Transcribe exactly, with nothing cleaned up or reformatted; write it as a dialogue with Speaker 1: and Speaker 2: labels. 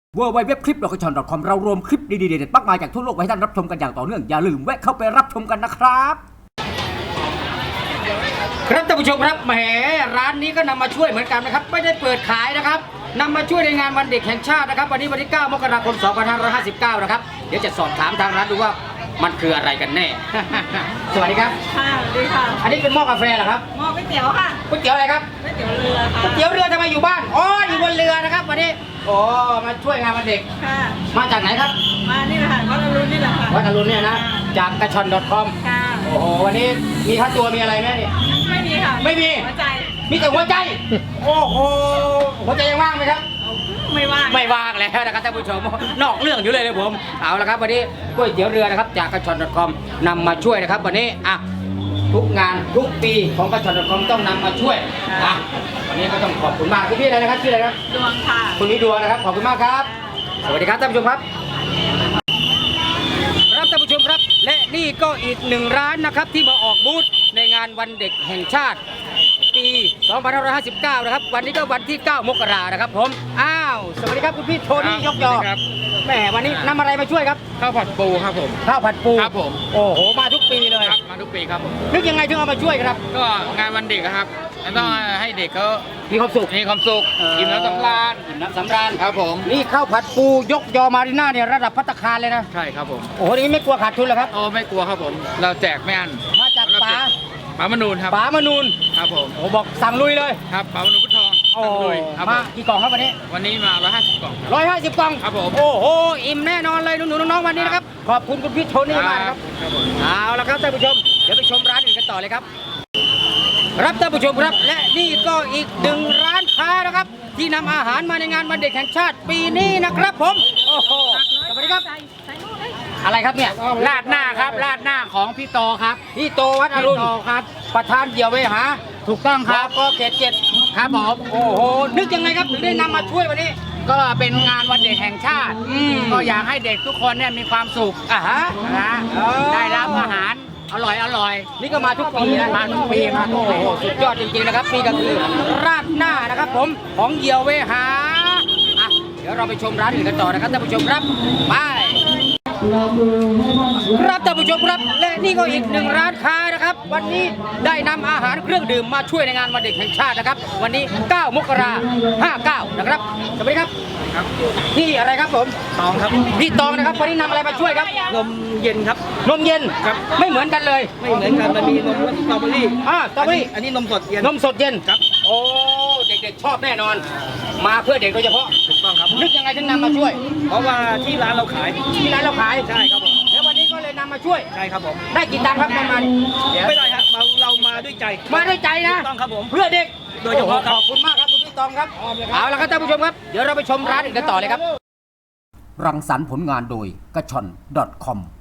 Speaker 1: เวอร์ไวเว็บคลิปดอกกระชอน .com เรารวมคลิปดีๆเด็ดๆมากมายจากทั่วโลกไว้ให้ท่านรับชมกันอย่างต่อเนื่องอย่าลืมแวะเข้าไปรับชมกันนะครับครับท่านผู้ชมครับแหมร้านนี้ก็นำมาช่วยเหมือนกันนะครับไม่ได้เปิดขายนะครับนำมาช่วยในงานวันเด็กแห่งชาตินะครับวันนี้วันที่เก้ามกราคมสองพันห้าร้อยห้าสิบเก้านะครับเดี๋ยวจะสอบถามทางร้านดูว่ามันคืออะไรกันแน่ สวัสดีครับ
Speaker 2: ค่ะสวัสดีค่ะ
Speaker 1: อันนี้เป็นหม้อกาแฟเหรอครับ
Speaker 2: หม้อก๋วยเตี๋ยวค่ะ
Speaker 1: ก๋วยเตี๋ยวอะไรครับ
Speaker 2: ก๋วยเตี๋ยวเรือค่ะ
Speaker 1: ก๋วยเตี๋ยวเรือทำไมอยู่บ้านอ๋ออยู่บนเรือนะครับวันนี้โอ้มาช่วยงานวันเด็ก
Speaker 2: ค่ะ
Speaker 1: มาจากไหนครับ
Speaker 2: มานี่แหละค่ะวัดอรุณนี่แหละค่ะ
Speaker 1: วัดอรุณเนี่ยนะจากกระชอน .com
Speaker 2: ค่ะ
Speaker 1: โอ้โหวันนี้มีค่าตัวมีอะไรไหมเนี่ย
Speaker 2: ไม่มีค่ะ
Speaker 1: ไม่มี
Speaker 2: หัวใจ
Speaker 1: มีแต่หัวใจโอ้โหหัวใจยังว่างไหมครับ
Speaker 2: ไม่ว่าง
Speaker 1: ไม่ว่างแล้วนะครับท่านผู้ชมนอกเรื่องอยู่เลยเลยผมเอาละครับวันนี้ก๋วยเตี๋ยวเรือนะครับจากกระชอน .com นำมาช่วยนะครับวันนี้อ่ะทุกงานทุกปีของกระชอน .com ต้องนำมาช่วยอ่ะวันนี้ก็ต้องขอบคุณมากคุณพี่อะไรนะครับชื่ออะไรครับ
Speaker 2: ดวงค่ะ
Speaker 1: คุณพี่ดวงนะครับขอบคุณมากครับสวัสดีครับท่านผู้ชมครับครับท่านผู้ชมครับและนี่ก็อีกหนึ่งร้านนะครับที่มาออกบูธในงานวันเด็กแห่งชาติปีสองพันห้าร้อยห้าสิบเก้านะครับวันนี้ก็วันที่เก้ามกรานะครับผมอ้าวสวัสดีครับคุณพี่โทนี่ยกยอแหมวันนี้นำอะไรมาช่วยครับ
Speaker 3: ข้าวผัดปูครับผม
Speaker 1: ข้าวผัดปู
Speaker 3: ครับผม
Speaker 1: โอ้โหมาทุกปีเลย
Speaker 3: ครับมาทุกปีครับผม
Speaker 1: นึกยังไงถึงเอามาช่วยครับ
Speaker 3: ก็งานวันเด็กครับต้องให้เด็กเขา
Speaker 1: มีความสุข
Speaker 3: มีความสุขกินน้ำสำราญ
Speaker 1: กินน้ำสำราญ
Speaker 3: ครับผม
Speaker 1: นี่ข้าวผัดปูยกยอมารีน่าเนี่ยระดับภัตตาคารเลยนะ
Speaker 3: ใช่ครับผม
Speaker 1: โอ้โหนี่ไม่กลัวขาดทุนเหรอครับ
Speaker 3: โอ้ไม่กลัวครับผมเราแจกไม่อั้น
Speaker 1: มาจากป๋า
Speaker 3: ป๋ามนูนครับ
Speaker 1: ป๋ามนูน
Speaker 3: ครับผม
Speaker 1: โอ้บอกสั่งลุยเลย
Speaker 3: ครับป๋ามนูนพุทธทอง
Speaker 1: สั่งลุยมากี่กล่องครับวันนี้
Speaker 3: วันนี้มาร้อยห้าสิบกล่อง
Speaker 1: ร้อยห้าสิบกล่อง
Speaker 3: ครับผม
Speaker 1: โอ้โหอิ่มแน่นอนเลยหนูๆน้องๆวันนี้นะครับขอบคุณคุณพี่โทนี่มากครับเอาละครับท่านผู้ชมเดี๋ยวไปชมร้านอื่นกันต่อเลยครับครับท่านผู้ชมครับและนี่ก็อีกหนึ่งร้านค้านะครับที่นำอาหารมาในงานวันเด็กแห่งชาติปีนี้นะครับผมโอ้โหสวัสดีครับอะไรครับเนี่ย
Speaker 3: ราดหน้าครับราดหน้าของพี่โตครับ
Speaker 1: พี่โตวัดอรุณครับประธานเดี่ยวเวหา
Speaker 3: ถูกต้องครับ
Speaker 1: ก็เขตเจ็ด
Speaker 3: ครับผม
Speaker 1: โอ้โหนึกยังไงครับถึงได้นำมาช่วยวันนี้
Speaker 3: ก็เป็นงานวันเด็กแห่งชาติก็อยากให้เด็กทุกคนเนี่ยมีความสุข
Speaker 1: อ่ะฮะ
Speaker 3: นะได้รับอาหารอร่อยอร่อย
Speaker 1: นี่ก็มาทุกปีนะ
Speaker 3: มาทุกปีมาทุกปี
Speaker 1: สุดยอดจริงๆนะครับนี่ก็คือราดหน้านะครับผมของเดี่ยวเวหาอ่ะเดี๋ยวเราไปชมร้านอื่นกันต่อนะครับท่านผู้ชมครับไปครับท่านผู้ชมครับและนี่ก็อีกหนึ่งร้านค้านะครับวันนี้ได้นำอาหารเครื่องดื่มมาช่วยในงานวันเด็กแห่งชาตินะครับวันนี้เก้ามกราคมห้าเก้านะครับสวัสดีครับ
Speaker 3: ครับ
Speaker 1: นี่อะไรครับผม
Speaker 3: ตองครับ
Speaker 1: พี่ตองนะครับวันนี้นำอะไรมาช่วยครับ
Speaker 3: นมเย็นครับ
Speaker 1: นมเย็น
Speaker 3: ครับ
Speaker 1: ไม่เหมือนกันเลย
Speaker 3: ไม่เหมือนกันมันมีนมรสสตรอเบอรี่
Speaker 1: อ่าสตรอเบอรี่
Speaker 3: อันนี้นมสดเย็น
Speaker 1: นมสดเย็น
Speaker 3: ครับ
Speaker 1: โอ้เด็กๆชอบแน่นอนมาเพื่อเด็กโดยเฉพาะ
Speaker 3: ถูกต้องครับ
Speaker 1: นึกยังไงถึงนำมาช่วย
Speaker 3: เพราะว่าที่ร้านเราขาย
Speaker 1: ที่ร้านเราขาย
Speaker 3: ใช่ครับผม
Speaker 1: แล้ววันนี้ก็เลยนำมาช่วย
Speaker 3: ใช่ครับผม
Speaker 1: ได้กี่ตังค์ครับประมาณ
Speaker 3: ไม่ได้ครับเราเรามาด้วยใจ
Speaker 1: มาด้วยใจนะ
Speaker 3: ต้องครับผม
Speaker 1: เพื่อเด็ก
Speaker 3: โดยเฉพาะ
Speaker 1: ขอบคุณมากครับคุณพี่ตองครับเอาละครับท่านผู้ชมครับเดี๋ยวเราไปชมร้านอื่นกันต่อเลยครับรังสรรค์ผลงานโดยกระชอน .com